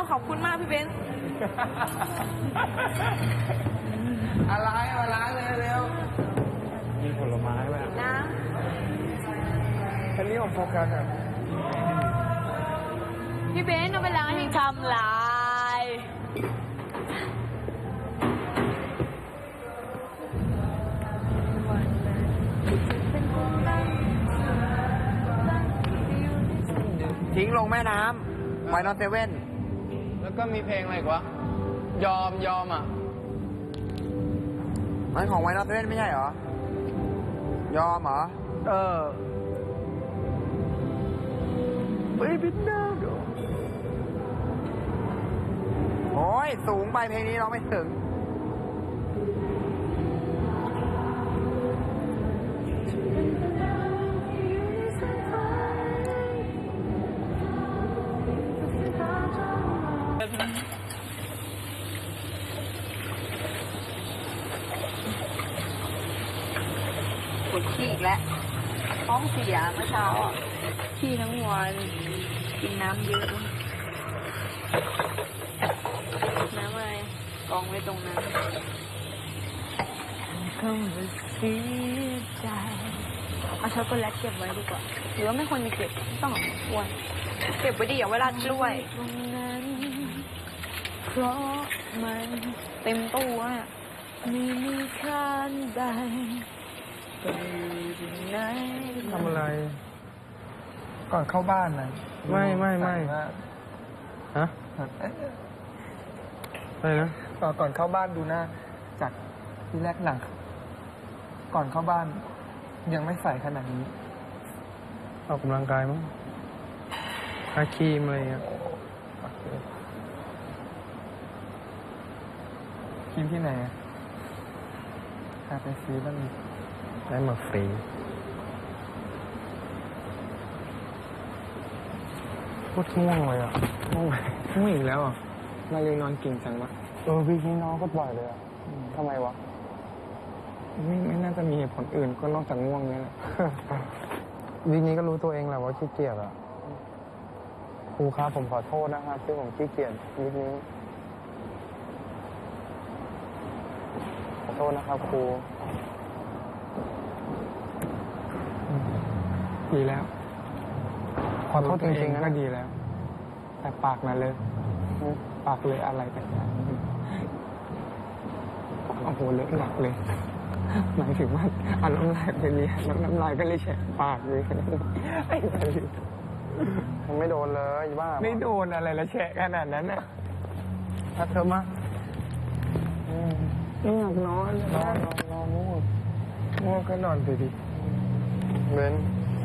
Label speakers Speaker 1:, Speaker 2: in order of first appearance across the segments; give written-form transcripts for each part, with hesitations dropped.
Speaker 1: ขอบคุณมากพี่เบนซ์
Speaker 2: อะไรมาล้างเร็ว
Speaker 3: มีผลไม้แบบ
Speaker 1: น้
Speaker 2: อันนี้ของโฟกัสอ่ะ
Speaker 1: ำพี่เบนซ์เอาไปล้างให้ทำลาย
Speaker 2: ทิ้งลงแม่น้ำไวนอตเซเว่นแล้วก็มีเพลงอะไรอีกวะยอมอ่ะมันของไวนอตเซเว่นไม่ใช่เหรอยอมเหรอBaby now โอ้ยสูงไปเพลงนี้ร้องไม่ถึง
Speaker 1: ปวดขี้อีกแล้วท้องเสียเมื่อเช้าอ่ะขี้ทั้งวันกินน้ำเยอะน้ำอะไรกองไว้ตรงนั้นก็ไม่เสียใจเอาช็อกโกแลตเก็บไว้ดีกว่าหรือว่าไม่ควรจะเก็บต้องเอามาควรเก็บไว้ดีอย่าเวลากล้วยตรงนั้นเพราะมันเต็มตู้อ่ะไม่มีค่าใด
Speaker 2: ทำอะไร ก่อนเข้าบ้านนะไม่ฮะอะไรนะก่อนเข้าบ้านดูหน้าจากที่แรกหนังก่อนเข้าบ้านยังไม่ใส่ขนาดนี้ออกกำลังกายมั้งทาครีมอะไรเงี้ยครีมที่ไหนหาไปซื้อบ้างได้มาฟรีโคตรง่วงเลยอ่ะง่วงอีกแล้วอ่ะมาเรียนนอนเก่งจังวะวีคนี้น้องก็บ่อยเลยอ่ะทำไมวะไม่น่าจะมีเหตุผลอื่นก็นอกจากง่วงนี่แหละ วีคนี้ก็รู้ตัวเองแหละว่าขี้เกียจอ่ะครูครับผมขอโทษนะครับที่ผมขี้เกียจวีคนี้ขอโทษนะครับครูดีแล้วขอโทษจริงๆนะก็ดีแล้วแต่ปากนะเลยปากเลยอะไรแต่อย่างโอ้โหเลอะหนักเลยหมายถึงว่าเอาน้ำลายไปเลียน้ำลายก็เลยแฉะปากเลยไอ้อะไรมันไม่โดนเลยบ้าไม่โดนอะไรแล้วแฉะขนาดนั้นน่ะถ้าเธอมาไม่อยากนอนง่วงก็นอนไปดิเบน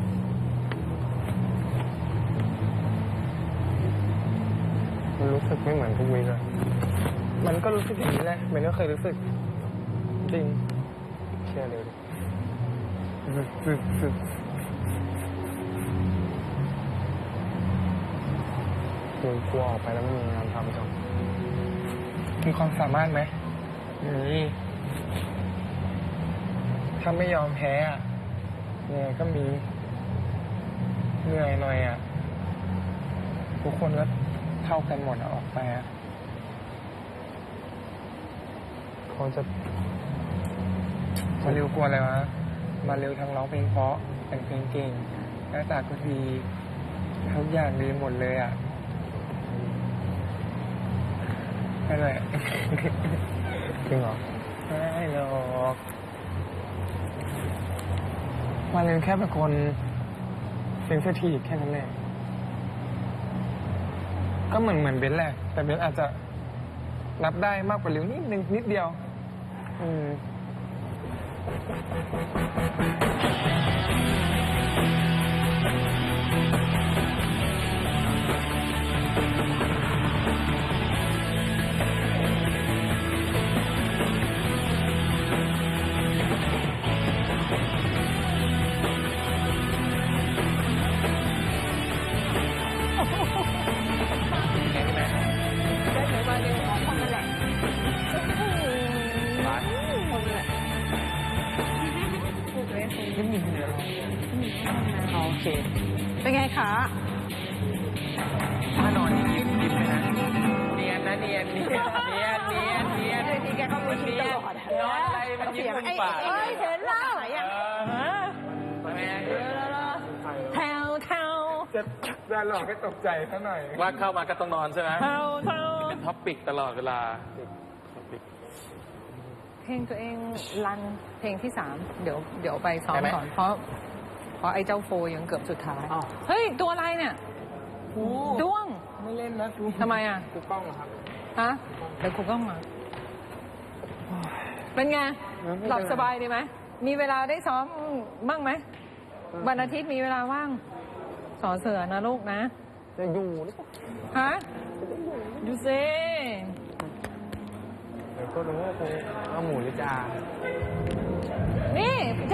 Speaker 2: มันรู้สึกไม่เหมือนทุกวีเลยมันก็รู้สึกอย่างนี้แหละมันก็เคยรู้สึกจริงเชื่อเลยกลัวออกไปแล้วไม่มีงานทำจังมีความสามารถไหมนี่ถ้าไม่ยอมแพ้อะเนี่ยก็มีเหนื่อยหน่อยอ่ะทุกคนก็เท่ากันหมดออกไปอ่ะเขาจะมาเร็วกลัวอะไรวะมาเร็วทั้งร้องเพลงเพราะแต่งเพลงเก่งหน้าตาก็ดีทุกอย่างดีหมดเลยอ่ะนั่นแหละจริงเหรอไม่หรอกมาเร็วแค่เป็นคนเซนซิทีฟแค่นั้นแหละก็เหมือนเบนแหละแต่เบนอาจจะรับได้มากกว่าเร็วนิดเดียวโอเคเป็นไงคะถ้านอนยิ้มเลยนะยนเนียนเนียนเนียนเนียน
Speaker 1: ที่แกเขาเนียน
Speaker 2: นอนอะไรมันยิ้มมุมปาก
Speaker 1: เอ้ยเห็นแล้ว
Speaker 2: แม่
Speaker 1: แถวแถว
Speaker 2: จะหลอกให้ตกใจซะหน่อย
Speaker 3: ว่าเข้ามาก็ต้องนอนใช่ไหม
Speaker 1: แถวแถว
Speaker 3: เป็นท็อปปิกตลอดเวลาท็อปปิก
Speaker 4: เพลงตัวเองรันเพลงที่ 3 เดี๋ยวไปซ้อมก่อน เพราะไอ้เจ้าโฟยังเกือบสุดท้าย เฮ้ย ตัวอะไรเนี่ยด้วง
Speaker 2: ไม่เล่นนะครู
Speaker 4: ทำไมอ่ะ
Speaker 2: ครูกล้องครับ
Speaker 4: ฮะเดี๋ยวครูก็มา เป็นไง หลับสบายดีไหม มีเวลาได้ซ้อมบ้างไหม วันอาทิตย์มีเวลาว่าง สอเสือนะลูกนะ
Speaker 2: จะอยู่หรือเปล่า
Speaker 4: ฮะดูซิ
Speaker 2: เดี๋ยวก็รู้ว่าครูเอาหมูหรือจา
Speaker 4: นี่